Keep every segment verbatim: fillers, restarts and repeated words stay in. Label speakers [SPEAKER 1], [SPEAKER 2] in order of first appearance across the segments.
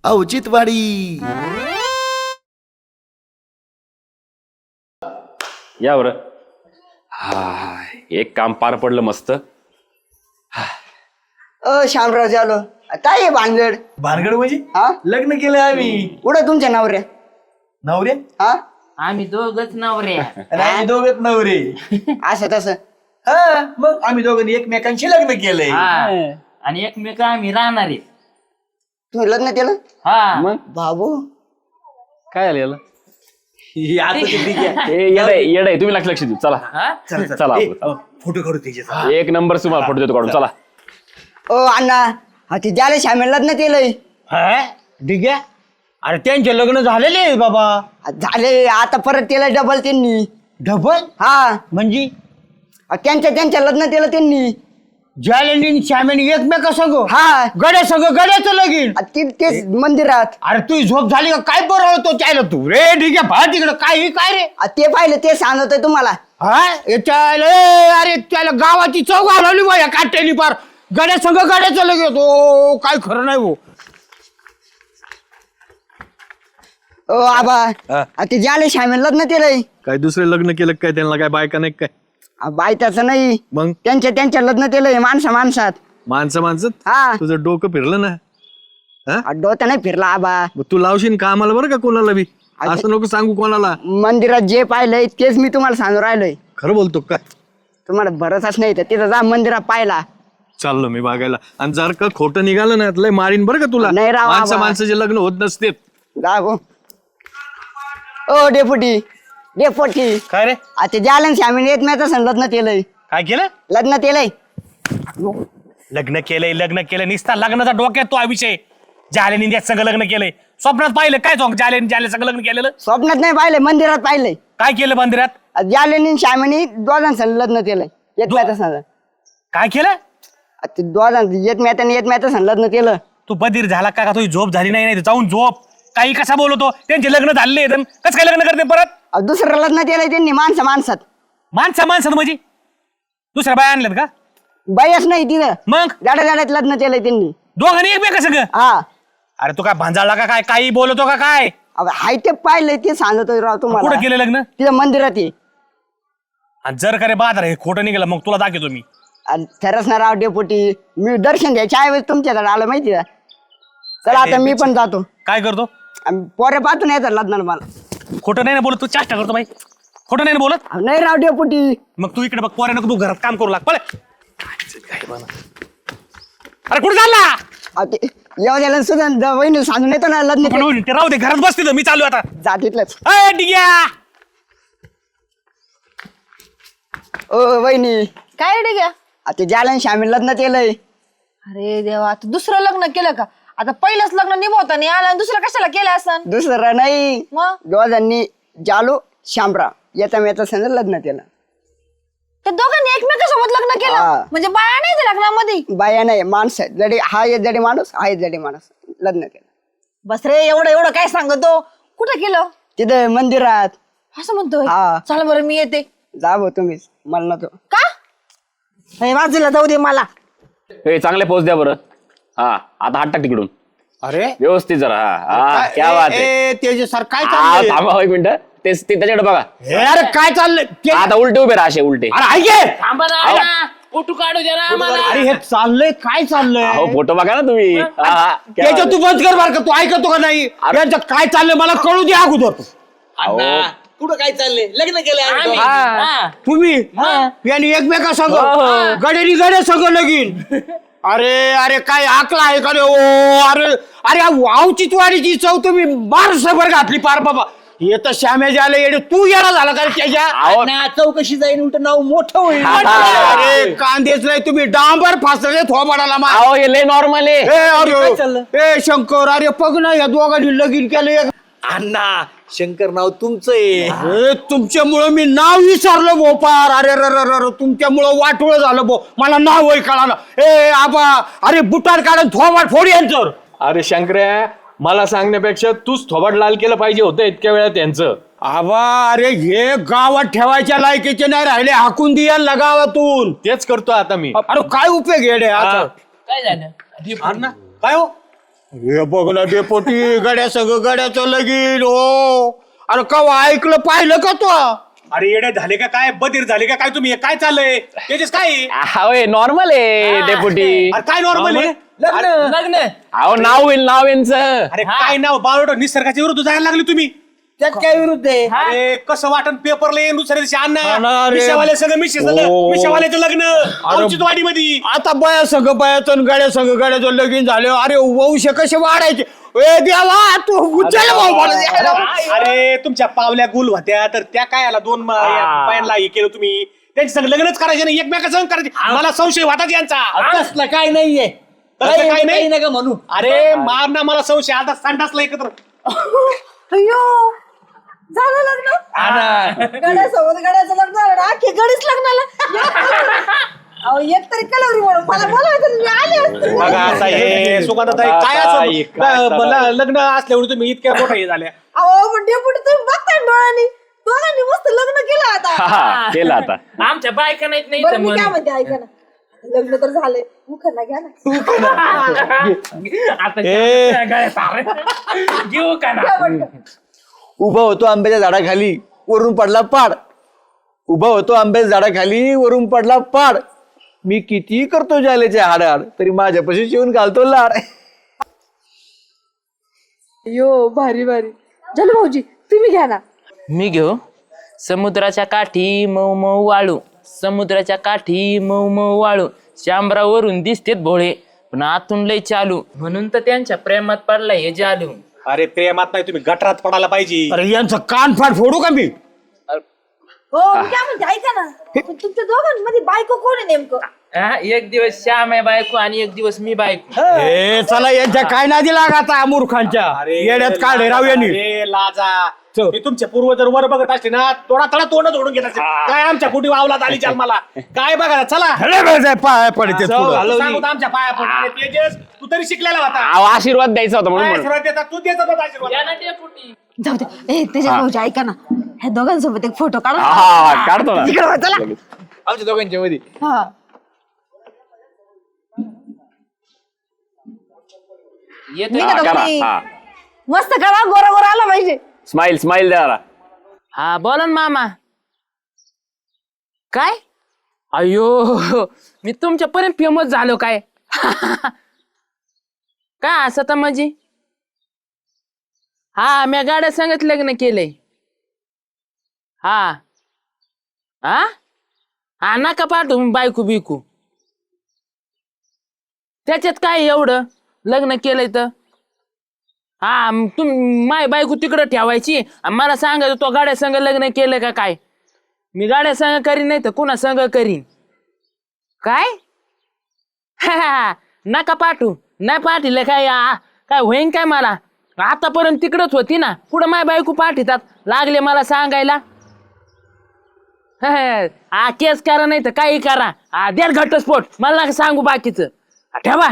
[SPEAKER 1] औचित्यवाडी.
[SPEAKER 2] या बरं. हा एक काम पार पडलं मस्त.
[SPEAKER 3] अ शामराव झालो काय आहे भानगड?
[SPEAKER 4] भानगड म्हणजे
[SPEAKER 3] हा
[SPEAKER 4] लग्न केलं आम्ही.
[SPEAKER 3] कुठं तुमच्या नवऱ्या?
[SPEAKER 4] नवरे
[SPEAKER 3] हा
[SPEAKER 5] आम्ही दोघच नवरे.
[SPEAKER 4] आम्ही दोघच नवरे.
[SPEAKER 3] असं तसं.
[SPEAKER 4] हा मग आम्ही दोघांनी एकमेकांशी लग्न केलंय.
[SPEAKER 5] आणि एकमेक आम्ही राहणार आहे.
[SPEAKER 3] तुम्ही लग्न केलं?
[SPEAKER 5] हा
[SPEAKER 2] मग
[SPEAKER 3] बाबू
[SPEAKER 2] काय झालं याला?
[SPEAKER 4] हे आता ते ठीक आहे.
[SPEAKER 2] ए, येडे येडे तुम्ही लक्ष लक्ष देऊ. चला
[SPEAKER 5] हा?
[SPEAKER 4] चला
[SPEAKER 2] चला
[SPEAKER 4] ए,
[SPEAKER 2] आपलं.
[SPEAKER 4] अ, फोटो काढू त्याच्यात.
[SPEAKER 2] एक नंबर तुम्हाला फोटो देतो काढून. चला
[SPEAKER 3] ओ अण्णा हा ते ज्याला श्यामे लग्न केलंय
[SPEAKER 6] ठीक आहे. अरे त्यांचे लग्न झालेले आहे बाबा.
[SPEAKER 3] झाले आता परत केलं डबल त्यांनी.
[SPEAKER 6] डबल
[SPEAKER 3] हा
[SPEAKER 6] म्हणजे
[SPEAKER 3] त्यांच्या त्यांच्या लग्न केलं त्यांनी.
[SPEAKER 6] जालेंनी श्यामेनी एकमेका संग
[SPEAKER 3] हा
[SPEAKER 6] गड्या संग गड्याचं लगीन.
[SPEAKER 3] आ, ते तेच मंदिरात.
[SPEAKER 6] अरे तू झोप झाली का काय बरं तो त्याला तू रे ठीक आहे भा तिकडं काय ही काय रे
[SPEAKER 3] आ, ते पाहिलं ते सांगतोय तुम्हाला.
[SPEAKER 6] हा याच्याला ए, अरे त्याला गावाची चौक घालवली बा या काट्यानी पार गड्या संग गड्याचं लगीन. तो काय खरं नाही भाऊ.
[SPEAKER 3] ओ आबा आ, ते ज्याला श्यामे लग्न केलंय
[SPEAKER 7] काय दुसरे लग्न केलं काय त्यांना काय बायका नाही काय
[SPEAKER 3] बायताचं नाही
[SPEAKER 7] मग
[SPEAKER 3] त्यांच्या त्यांच्या लग्न केलंय माणसा माणसात.
[SPEAKER 7] माणसं माणसं
[SPEAKER 3] हा
[SPEAKER 7] तुझं डोकं फिरलं ना.
[SPEAKER 3] आ, डोकं नाही फिरला आबा.
[SPEAKER 7] मग तू लावशील का आम्हाला बरं का कोणाला बी असं नको सांगू कोणाला.
[SPEAKER 3] मंदिरात जे पाहिलंय तेच मी तुम्हाला सांगून राहिलोय.
[SPEAKER 7] खरं बोलतो काय
[SPEAKER 3] तुम्हाला भरोसाच नाही तर तिथं जा मंदिरात पाहिला.
[SPEAKER 7] चाललो मी बघायला आणि जर का खोटं निघालं ना लय मारीन बरं का तुला.
[SPEAKER 3] नाही राव
[SPEAKER 7] माणसं
[SPEAKER 3] आबा.
[SPEAKER 7] माणसाचे लग्न होत नसते.
[SPEAKER 3] जा गो. ओ डेपुटी डेपुटी
[SPEAKER 6] काय रे
[SPEAKER 3] आता जालन श्यामीने येत नाही तसं लग्न केलंय.
[SPEAKER 6] काय केलं
[SPEAKER 3] लग्न केलंय.
[SPEAKER 6] लग्न केलंय लग्न केलं निसता लग्नाचा डोक्यात तो हा विषय. जालेनी त्याच संग लग्न केलंय. स्वप्नात पाहिलं काय सॉंग जालेनी जाले संग लग्न केलेलं.
[SPEAKER 3] स्वप्नात नाही पाहिलंय मंदिरात पाहिलंय.
[SPEAKER 6] काय केलं मंदिरात
[SPEAKER 3] जालेनी श्यामीने दोघांचं लग्न केलंय. येत नाही तसं
[SPEAKER 6] काय केलं.
[SPEAKER 3] ते दोघांचं येत नाही येत नाही तसं लग्न केलं.
[SPEAKER 6] तू बधीर झाला का तुझी झोप झाली नाही नाही जाऊन झोप. काही कसा बोलतो त्यांचे लग्न झाले कसं काय लग्न करते परत.
[SPEAKER 3] अहो, दुसरं लग्न केलंय त्यांनी माणसं माणसात.
[SPEAKER 6] माणसा माणसात म्हणजे दुसऱ्या बाय आणल्यात का
[SPEAKER 3] बायच नाही तिथं
[SPEAKER 6] मग
[SPEAKER 3] जाड्या जाड्यात लग्न केलंय त्यांनी
[SPEAKER 6] दोघांनी एकमेका सगळं.
[SPEAKER 3] हा
[SPEAKER 6] अरे तू काय भांजाळला का काय काही बोलतो का काय.
[SPEAKER 3] अहो, हाय ते पाहिलंय ते सांगतोय राव तुम्हाला.
[SPEAKER 6] कुठं केलं लग्न
[SPEAKER 3] तिथं मंदिरात ये.
[SPEAKER 6] आणि जर का रे बाजार हे खोटं निघालं मग तुला दाखवतो मी.
[SPEAKER 3] आणि खरंच ना राव डेपुटी मी दर्शन द्यायच्या ऐवजी तुमच्याकडे आलं माहिती का. चला आता मी पण जातो.
[SPEAKER 6] काय करतो
[SPEAKER 3] आणि पोरे पाहतो नाही तर लग्नाला मला.
[SPEAKER 6] खोटं नाही ना बोलत तू चाष्टा करतो बाई. खोटं नाही ना बोलत.
[SPEAKER 3] अहो, नाही राव डेपुटी.
[SPEAKER 6] मग तू इकडे बघ पोऱ्या नको तू घरात काम करू लाग पळे. अरे कुठे चालला
[SPEAKER 3] अहो, ते येऊ द्यायला सुद्धा वहिनी सांगून येतो ना लग्न
[SPEAKER 6] पण होईल, ते राहू दे घरात बसते मी चालू आता.
[SPEAKER 3] जा तिथलंच.
[SPEAKER 6] अय डिग्या
[SPEAKER 3] ओ वहिनी
[SPEAKER 8] काय रे घ्या.
[SPEAKER 3] आता जालन श्यामी लग्न केलंय.
[SPEAKER 8] अरे देवा आता दुसरं लग्न केलं का. आता पहिलंच लग्न निभवता नाही आलं आणि दुसरं कशाला केलं असं.
[SPEAKER 3] दुसरं नाही
[SPEAKER 8] मग
[SPEAKER 3] दोघांनी जालू श्यामराव येता मी संग लग्न केलं.
[SPEAKER 8] त्या दोघांनी एकमेकांसोबत लग्न
[SPEAKER 3] हा.
[SPEAKER 8] केलं म्हणजे बाया नाही त्या लग्नामध्ये.
[SPEAKER 3] बाया नाही माणसं आहेत. जडी हा एक जडी माणूस हा एक जडी माणूस लग्न केलं.
[SPEAKER 8] बस रे एवढं एवढं काय सांगतो. कुठं केलं
[SPEAKER 3] तिथं मंदिरात.
[SPEAKER 8] असं म्हणतोय.
[SPEAKER 3] हा.
[SPEAKER 8] चला बरं मी येते.
[SPEAKER 3] जा भाऊ तुम्हीच मला नको.
[SPEAKER 8] का हे बाजूला जाऊ दे मला.
[SPEAKER 2] ए चांगले पोच द्या बरं. हा आता हात टाक तिकडून
[SPEAKER 6] अरे
[SPEAKER 2] व्यवस्थित जरा. हा हा क्या बात आहे.
[SPEAKER 6] तेजे सर काय
[SPEAKER 2] हा,
[SPEAKER 6] चाललंय.
[SPEAKER 2] थांबा एक मिनिट. तेच ते त्याच्याकडे बघा.
[SPEAKER 6] हे अरे काय चाललंय ते-
[SPEAKER 2] आता उलटे उभे राहा असे उलटे.
[SPEAKER 6] अरे ऐके
[SPEAKER 5] थांबा ना अण्णा. फोटो काढू द्या ना आम्हाला.
[SPEAKER 6] अरे हे चाललंय काय चाललंय.
[SPEAKER 2] हो फोटो बघा ना तुम्ही. हा, हा, क्या
[SPEAKER 6] त्याच्या
[SPEAKER 2] बात
[SPEAKER 6] तू बंद कर बार का तू ऐकतो का नाही. यांचं काय चाललंय मला कळू दे अगोदर.
[SPEAKER 5] अण्णा.
[SPEAKER 4] कुठं काय चाललंय लग्न केलंय आम्ही
[SPEAKER 5] आम्ही.
[SPEAKER 4] दोघांनी.
[SPEAKER 5] हा.
[SPEAKER 6] तुम्ही यांनी एकमेका संग गडेनी गडे संग लगीन. अरे अरे काय आकला आहे का रे. ओ अरे अरे वावची वाडीची चव तुम्ही बारसभर घातली पार बाबा. हे तर श्यामे झाले येडे तू येणार झाला का रे त्याच्या.
[SPEAKER 4] अण्णा, चौकशी जाईन उलट नाव मोठं होईल.
[SPEAKER 6] अरे कांदेच नाही तुम्ही डांबर फासले थोबाडाला मा.
[SPEAKER 2] अहो हे लय नॉर्मल आहे.
[SPEAKER 6] ए
[SPEAKER 4] काय चाललं?
[SPEAKER 6] अरे ए शंकर अरे बघ ना या दोघांनी लगीन केलं.
[SPEAKER 4] अण्णा शंकर नाव तुमचं आहे.
[SPEAKER 6] अरे तुमच्यामुळं मी नाव विसरलो भोपार. अरे र र र तुमच्यामुळं वाटोळ झालं भो. मला नाव वय कळालं. ए आबा अरे बुटार काढून थोबाड फोड यांचं.
[SPEAKER 7] अरे शंकर्या मला सांगण्यापेक्षा तूच थोबाड लाल केलं पाहिजे होतं इतक्या वेळा त्यांचं.
[SPEAKER 6] आबा अरे हे गावात ठेवायच्या लायकीचे नाही राहिले. हाकून दियाला गावातून.
[SPEAKER 7] तेच करतो आता मी.
[SPEAKER 6] अरे काय उपयोग येडे आता.
[SPEAKER 5] काय झालं.
[SPEAKER 4] अण्णा काय हो
[SPEAKER 6] हे बघ ना डेपोटी गड्या सगळं गड्याचं लगीन हो. अरे कवा ऐकलं पाहिलं का तू?
[SPEAKER 7] अरे येडे झाले का काय बधीर झाले का काय तुम्ही हे काय चाललंय त्याच्याच काय
[SPEAKER 2] होय नॉर्मल आहे डेपुटी.
[SPEAKER 7] अरे काय नॉर्मल आहे
[SPEAKER 5] लग्न
[SPEAKER 2] अहो नाव होईल नाव यांचं.
[SPEAKER 7] अरे काय नाव बावडो निसर्गाच्या विरुद्ध जायला लागले तुम्ही.
[SPEAKER 4] त्यात काय विरुद्ध आहे?
[SPEAKER 7] अरे कसं वाटण पेपरला येईन दुसऱ्या दिवशी
[SPEAKER 6] हा ना
[SPEAKER 7] अण्णा
[SPEAKER 6] रे.
[SPEAKER 7] मिशावाले सगळं मिशी
[SPEAKER 6] हो.
[SPEAKER 7] मिशावाल्याचं लग्न औचित्यवाडी मध्ये.
[SPEAKER 6] आता बाया संघ बायाचं गड्या संघ गड्याचं लगीन झाले. अरे वंश कसे वाढायचे? ए देवा तू उचल भाऊ मला.
[SPEAKER 7] अरे तुमच्या पावल्या गुल होत्या तर त्या काय आला दोन बायांना हे केलं तुम्ही त्यांच्या संग लग्नच करायचे नाही एकमेका संग करायचे. मला संशय वाटत यांचा.
[SPEAKER 4] तसलं काय नाहीये.
[SPEAKER 7] तसलं काय नाही
[SPEAKER 4] नका म्हणू.
[SPEAKER 7] अरे मार ना मला संशय आता संडासला एकत्र.
[SPEAKER 8] अय्यो झालं लग्न गड्यासोबत गड्याचं लग्न झालं ना अख्खी गडीच लग्नाला. अहो एक तरी कलवरी म्हणून मला बोलायचं तुम्ही आले असते.
[SPEAKER 7] बघा आता हे सुगंधाताई काय असं मला लग्न असल्यावर तुम्ही इतक्या मोठा हे झाल्या.
[SPEAKER 8] अहो पण डेपुटी तुम्ही बघताय डोळ्यांनी दोघांनी मस्त लग्न केलं आता.
[SPEAKER 2] हा केलं आता.
[SPEAKER 5] आमच्या बायका नाहीत नाही
[SPEAKER 8] बरं
[SPEAKER 5] इथं
[SPEAKER 8] मी काय
[SPEAKER 5] म्हणून.
[SPEAKER 8] म्हणते ऐका ना लग्न तर झालंय मुखांना घ्या ना.
[SPEAKER 5] आता गळ्यात सारं. घेऊ का ना
[SPEAKER 8] घ्या पटकन.
[SPEAKER 4] उभा होतो आंब्याच्या झाडाखाली वरून पडला पाड. उभा होतो आंब्याच्या झाडाखाली वरून पडला पाड. मी किती करतो जालेचे हाडाड तरी माझ्यापाशी शिवून घालतो लाड.
[SPEAKER 8] यो भारी भारी झालं भाऊजी तुम्ही घ्या ना.
[SPEAKER 5] मी घेऊ. समुद्राच्या काठी मऊ मऊ वाळू समुद्राच्या काठी मऊ मऊ वाळू शांबरावरून दिसतेत भोळे पण आतून लय चालू म्हणून तर त्यांच्या प्रेमात पडला हे जालू.
[SPEAKER 7] अरे प्रेमात नाही तुम्ही गटरात पडायला पाहिजे.
[SPEAKER 6] अरे यांचं कान फाट फोडू का मी?
[SPEAKER 8] हो मी काय म्हणते ऐका ना पण तुमच्या दोघांमध्ये बायको कोण आहे नेमकं?
[SPEAKER 5] हा, एक दिवस श्याम आहे बायको आणि एक दिवस मी बायको.
[SPEAKER 6] ए चला यांच्या काय नादी लागा आता मूर्खांच्या येड्यात काढे राव यांनी.
[SPEAKER 7] अरे लाजा ते तुमचे पूर्वज जर वर बघत असते ना तोडा तडा तोंड तोडून घेत असते. काय आमच्या कुठे वावलात आली जन्माला काय बघा ना, चला
[SPEAKER 6] हले बेजाय पाय पडते
[SPEAKER 7] जाऊ,
[SPEAKER 6] पुढं.
[SPEAKER 7] सांगू तर आमच्या पाया पडले. तेजस तू तरी शिकलेला होता.
[SPEAKER 2] अहो आशीर्वाद द्यायचा होता म्हणून
[SPEAKER 7] काय
[SPEAKER 2] म्हणलं.
[SPEAKER 7] आशीर्वाद देतात? तू देतात होता आशीर्वाद.
[SPEAKER 5] या ना डेपुटी.
[SPEAKER 8] जाऊ दे ए त्याच्या भाऊजी ऐका ना ह्या दोघांसोबत एक फोटो काढा.
[SPEAKER 2] हा काढतो ना.
[SPEAKER 8] इकडे वळ, चला.
[SPEAKER 4] आमच्या दोघांच्या मध्ये
[SPEAKER 8] हा
[SPEAKER 5] येतो.
[SPEAKER 8] निघा
[SPEAKER 2] हा, करा.
[SPEAKER 8] तुम्ही.
[SPEAKER 2] हा
[SPEAKER 8] मस्त करा गोरा गोरा आला पाहिजे.
[SPEAKER 2] स्माइल स्माइल द्या.
[SPEAKER 5] हा बोला ना मामा. काय अयो मी तुमच्यापर्यंत फेमस झालो काय? काय असं तर म्हणजे हा मी गाड्या संगत लग्न केलंय. हा हा हा नका पाठवू बायको बिकू. त्याच्यात काय एवढं लग्न केलंय तर हा तुम माय बायको तिकडं ठेवायची आणि मला सांगायचं तो गाड्या संग लग्न केलं का काय? मी गाड्या संग करीन नाही तर कुणा संग करीन काय? नका पाठवू नाही पाठीलं काय आ, काय होईन काय मला? आतापर्यंत तिकडच होती ना पुढं माय बायको पाठीतात लागले मला सांगायला. हा केस करा नाही तर काही करा. हा द्या घटस्फोट मला नका सांगू बाकीचं. ठेवा.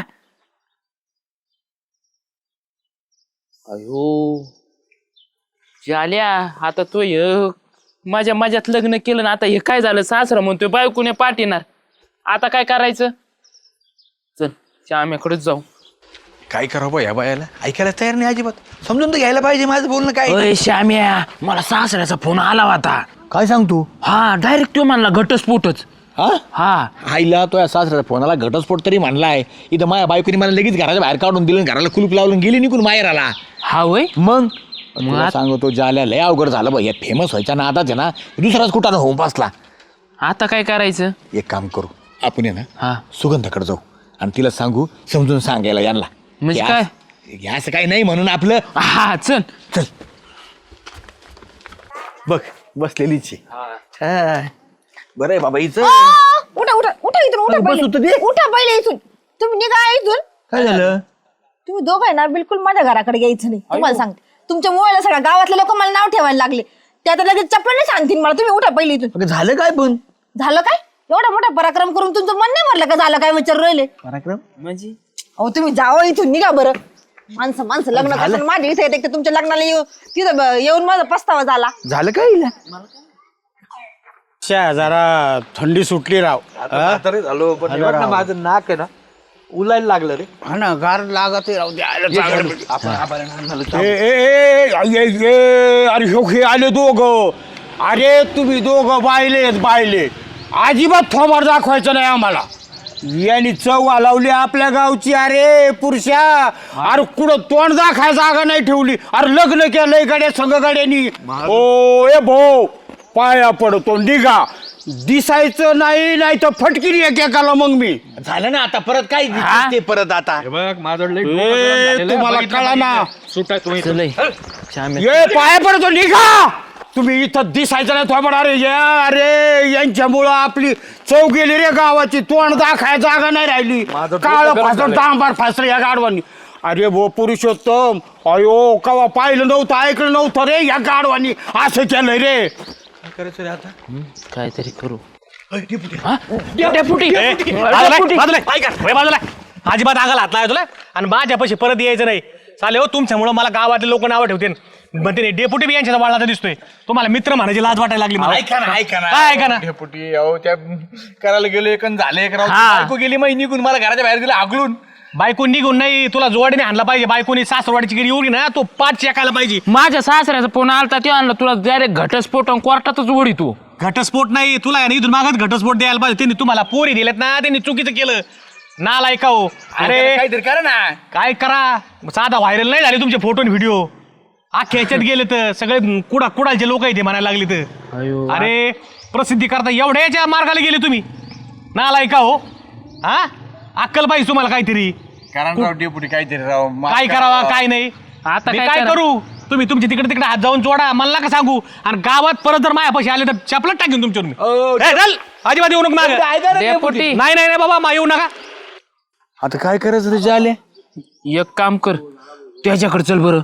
[SPEAKER 5] अयो झाल्या आता तो हे माझ्या माझ्यात लग्न केलं ना आता हे काय झालं सासरा म्हणतोय बायकोने पाठीणार आता काय करायचं? चल श्याम्याकडेच जाऊ.
[SPEAKER 4] काय करावं या बायाला ऐकायला तयार नाही अजिबात. समजून तर घ्यायला पाहिजे माझं बोलणं काय.
[SPEAKER 5] अय श्याम्या मला सासऱ्याचा फोन आला होता.
[SPEAKER 4] काय सांगतो?
[SPEAKER 5] हा डायरेक्ट तो म्हणला घटस्फोटच.
[SPEAKER 4] हा
[SPEAKER 5] हा
[SPEAKER 4] आईला तो या सासऱ्याचा फोनाला घटस्फोट तरी म्हणलाय. इथं माझ्या बायकोनी मला लगेच घराच्या बाहेर काढून दिलं घराला कुलूप लावून गेली निघून माहेराला.
[SPEAKER 5] हा वय
[SPEAKER 4] मग तुला सांगतो जाल्या लय अवघड झालं बघ. या फेमस व्हायच्या ना आताच आहे ना दुसराच कुठं होऊन बसला.
[SPEAKER 5] आता काय करायचं?
[SPEAKER 4] एक काम करू आपण आहे ना
[SPEAKER 5] हा
[SPEAKER 4] सुगंधाकडे जाऊ आणि तिला सांगू समजून सांगायला यांना.
[SPEAKER 5] म्हणजे
[SPEAKER 4] हे
[SPEAKER 5] काय?
[SPEAKER 4] असं- हे असं काही नाही म्हणून आपलं.
[SPEAKER 5] हा चल
[SPEAKER 4] चल बघ बसलेलीच आहे. बरं आहे बाबा हिचं.
[SPEAKER 8] आ, उठा उठा उठा इथून उठा
[SPEAKER 4] बस होतं
[SPEAKER 8] पहिले.
[SPEAKER 4] ते.
[SPEAKER 8] उठा पहिले इथून तुम्ही निघा इथून.
[SPEAKER 4] काय झालं?
[SPEAKER 8] तुम्ही दोघं आहे ना बिलकुल माझ्या घराकडे यायचं नाही तुम्हाला सांगते. तुमच्या मुलाला सगळ्या गावातले लोक मला नाव ठेवायला लागले ते आता लगेच चपलाने सांगतील मला. तुम्ही उठा पहिले इथून.
[SPEAKER 4] अगं झालं काय पण?
[SPEAKER 8] झालं काय एवढा मोठा पराक्रम करून तुमचं मन नाही म्हणलं का झालं काय विचार राहिले?
[SPEAKER 4] पराक्रम
[SPEAKER 5] म्हणजे
[SPEAKER 8] अहो तुम्ही जावं इथून निघा बरं. माणसं माणसं लग्न करतात माझ्या इथे येते तुमच्या लग्नाला येऊ तिथं ब- येऊन माझा पस्तावा झाला.
[SPEAKER 4] झालं काय हिला?
[SPEAKER 6] शा, जरा थंडी सुटली राव. हा?
[SPEAKER 4] तरी झालो पण माझं नाक आहे ना उलायला लागलं रे.
[SPEAKER 6] हा ना गार लागत राहू दे आलं चांगलं.
[SPEAKER 4] आपण आपण अन्नाला
[SPEAKER 6] ए, ए, ए, ए, ए, अरे हो हे आले दोघं. अरे तुम्ही दोघं बायलेत बायले अजिबात थोमार दाखवायचं नाही आम्हाला. यांनी चव लावली आपल्या गावची. अरे पुरुषा अरे कुठं तोंड दाखाय जागा नाही ठेवली. अरे लग्न केलंय गाड्या संघ गाड्यांनी. ओ ए भाऊ पाया पडतो निघा. दिसायचं नाही नाही तर फटकिरी एकेकाला मग मी.
[SPEAKER 7] झालं ना आता परत काय दिसते परत आता
[SPEAKER 4] बघ माझं
[SPEAKER 6] ए, तुम्हाला कळा ना
[SPEAKER 4] सुटा तुम्ही
[SPEAKER 5] चलय श्याम्या.
[SPEAKER 6] ये पाया पडतो निघा. तुम्ही इथं दिसायचं नाही थोबड. अरे या अरे यांच्यामुळं आपली चव गेली रे गावाची. तोंड दाखाय जागा नाही राहिली. काळ फासलं डांबार फासलं या गाडवांनी. अरे भो पुरुषोत्तम अयो कवा पाहिलं नव्हतं ऐकलं नव्हतं रे या गाडवांनी असं केलंय रे.
[SPEAKER 5] काहीतरी करू.
[SPEAKER 7] बाजूला अजिबात आगाला हात नाही तुला आणि माझ्यापाशी परत यायचं नाही. चालेल हो तुमच्यामुळं मला गावातले लोक नावं ठेवते म्हणते डेपुटी बी यांच्या वाळाचा दिसतोय. तुम्हाला मित्र म्हणायची लाज वाटायला लागली मला.
[SPEAKER 4] ऐका ना ऐका ना
[SPEAKER 7] काय ऐका ना?
[SPEAKER 4] डेपुटी अहो त्या करायला गेलो एक झाले एक राव.
[SPEAKER 7] हा.
[SPEAKER 4] बायको गेली माहिती निघून मला घराच्या बाहेर गेला आगळून.
[SPEAKER 7] बायको निघून नाही तुला जोडीने आणला पाहिजे. बायकोनी सासरवाडीची गिरी उडी ना तो पाच चेकायला पाहिजे.
[SPEAKER 5] माझ्या सासऱ्याचा फोन आलता ते आणलं तुला डायरेक्ट घटस्फोट आणि कोर्टातच उडी तू.
[SPEAKER 7] घटस्फोट नाही तुला आहे ना इथून मागत घटस्फोट द्यायला पाहिजे. त्यांनी तुम्हाला पोरी दिल्यात ना त्यांनी चुकीचं केलं. नाल ऐकाव. अरे
[SPEAKER 4] काहीतरी करा ना.
[SPEAKER 7] काय करा साधा व्हायरल नाही झाले तुमचे फोटो आणि व्हिडिओ. अख्ख्या ह्याच्यात गेले तर सगळे कुडा कुडालचे लोक इथे म्हणायला लागले तर. अरे प्रसिद्धी करता एवढ्याच्या मार्गाला गेले तुम्ही. नाल ऐका हो. हा अक्कल पाहिजे तुम्हाला काहीतरी.
[SPEAKER 4] करा ना राव डेपुटी काहीतरी राव. माफ
[SPEAKER 7] काय
[SPEAKER 4] करा
[SPEAKER 7] करावा
[SPEAKER 4] राव.
[SPEAKER 7] काय नाही.
[SPEAKER 5] आता
[SPEAKER 7] मी
[SPEAKER 5] काय
[SPEAKER 7] काय
[SPEAKER 5] करा?
[SPEAKER 7] करू. तुम्ही तुमच्या तिकडे तिकडे हात जाऊन जोडा मला नका सांगू. आणि गावात परत जर मायापाशी आले तर चपलत टाकेन तुमच्यावर मी.
[SPEAKER 4] अहो,
[SPEAKER 7] ए, चल अजिबात येऊ नका मागं.
[SPEAKER 4] ऐका ना
[SPEAKER 5] डेपुटी
[SPEAKER 7] नाही नाही नाही बाबा मा येऊ नका.
[SPEAKER 4] आता काय करायचं रे झाले.
[SPEAKER 5] एक काम कर त्याच्याकडे चल बरं.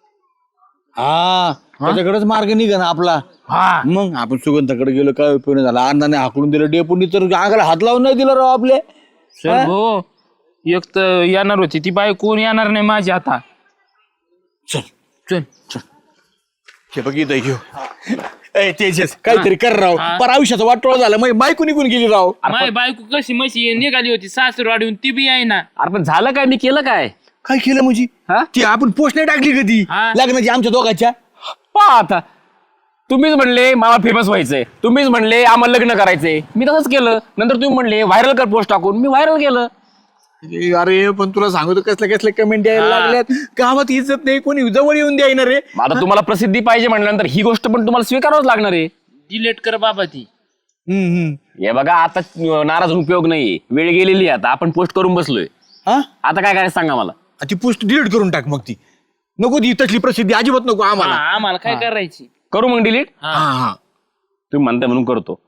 [SPEAKER 4] हा त्याच्याकडेच मार्ग निघा ना आपला.
[SPEAKER 5] हा
[SPEAKER 4] मग आपण सुगंधाकडे गेलो काय उपयोग नाही झाला. अण्णाने हाकलून दिलं डेपुटी तर अंगाला हात लावून नाही दिला राव आपले.
[SPEAKER 5] चल भो. एक तर येणार होती ती बाई कोण येणार नाही माझी आता.
[SPEAKER 4] चल
[SPEAKER 5] चल
[SPEAKER 4] हे बघ इथं घेऊ. ए तेजस काहीतरी कर राव. पर आयुष्याचा वाटोळा झाला मग बायको निघून गेली राव.
[SPEAKER 5] माय बायको कशी मशी निघाली होती सासरवाडीहून ती बी आहे ना.
[SPEAKER 2] अरे पण झालं काय मी केलं काय.
[SPEAKER 4] काय केलं म्हणजे
[SPEAKER 2] हा?
[SPEAKER 4] ती आपण पोस्ट नाही टाकली कधी
[SPEAKER 5] हा.
[SPEAKER 4] लग्नाची आमच्या दोघांच्या.
[SPEAKER 2] पहा आता तुम्हीच म्हणले मला फेमस व्हायचंय. तुम्हीच म्हणले आम्हाला लग्न करायचंय. मी तसंच केलं. नंतर तुम्ही म्हणले व्हायरल कर पोस्ट टाकून. मी व्हायरल केलं.
[SPEAKER 4] ए, अरे पण तुला सांगतो कसल्या कसल्या कमेंट यायला लागल्यात. गावात इज्जत नाही कोणी जवळ येऊन द्यायना रे.
[SPEAKER 2] आता तुम्हाला प्रसिद्धी पाहिजे म्हटल्यानंतर ही गोष्ट पण तुम्हाला स्वीकारावंच लागणार आहे.
[SPEAKER 5] डिलेट कर बाबा ती.
[SPEAKER 4] हम्म, हम्म.
[SPEAKER 2] हे बघा आता नाराज होऊन उपयोग नाहीये. वेळ गेलेली आहे. आता आपण पोस्ट करून बसलोय.
[SPEAKER 4] हा
[SPEAKER 2] आता काय करायचं सांगा मला.
[SPEAKER 4] ती पोस्ट डिलीट करून टाक मग. ती नको ती तसली प्रसिद्धी अजिबात नको
[SPEAKER 5] हा,
[SPEAKER 4] आम्हाला.
[SPEAKER 5] आम्हाला काय करायची.
[SPEAKER 2] करू मग डिलीट.
[SPEAKER 4] हा हा
[SPEAKER 2] तुम्ही म्हणताय म्हणून करतो.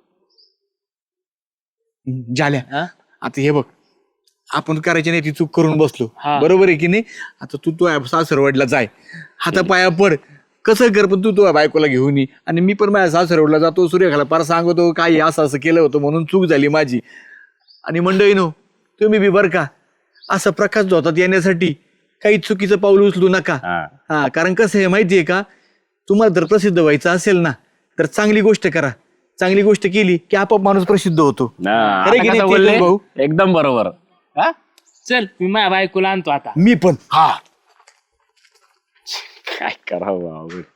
[SPEAKER 4] झाल्या आता हे बघ आपण करायची नाही ती चूक करून बसलो.
[SPEAKER 5] हा.
[SPEAKER 4] बरोबर आहे की नाही. आता तू तो सासरवाडीला जाय हाता पाया पड कसं कर पण तू तो बायकोला घेऊन ये. आणि मी पण माझ्या सासरवाडीला जातो सूर्यखाला पार सांगतो काय असं असं केलं होतं म्हणून चूक झाली माझी. आणि मंडळी नो तुम्ही बी बर का असं प्रकाश धोतात येण्यासाठी काही चुकीचं पाऊल उचलू नका.
[SPEAKER 2] हा.
[SPEAKER 4] हा कारण कसं आहे माहितीये का तुम्हाला जर प्रसिद्ध व्हायचं असेल ना तर चांगली गोष्ट करा. चांगली गोष्ट केली की आपोआप माणूस प्रसिद्ध होतो.
[SPEAKER 2] हा,
[SPEAKER 4] खरं की
[SPEAKER 2] आता
[SPEAKER 4] नाही
[SPEAKER 2] कसं
[SPEAKER 4] ते
[SPEAKER 2] बोलले?
[SPEAKER 4] भाऊ?
[SPEAKER 2] एकदम बरोबर.
[SPEAKER 4] हा
[SPEAKER 5] चल मी माझ्या बायकोला आणतो आता.
[SPEAKER 4] मी पण. हा
[SPEAKER 2] काय करावं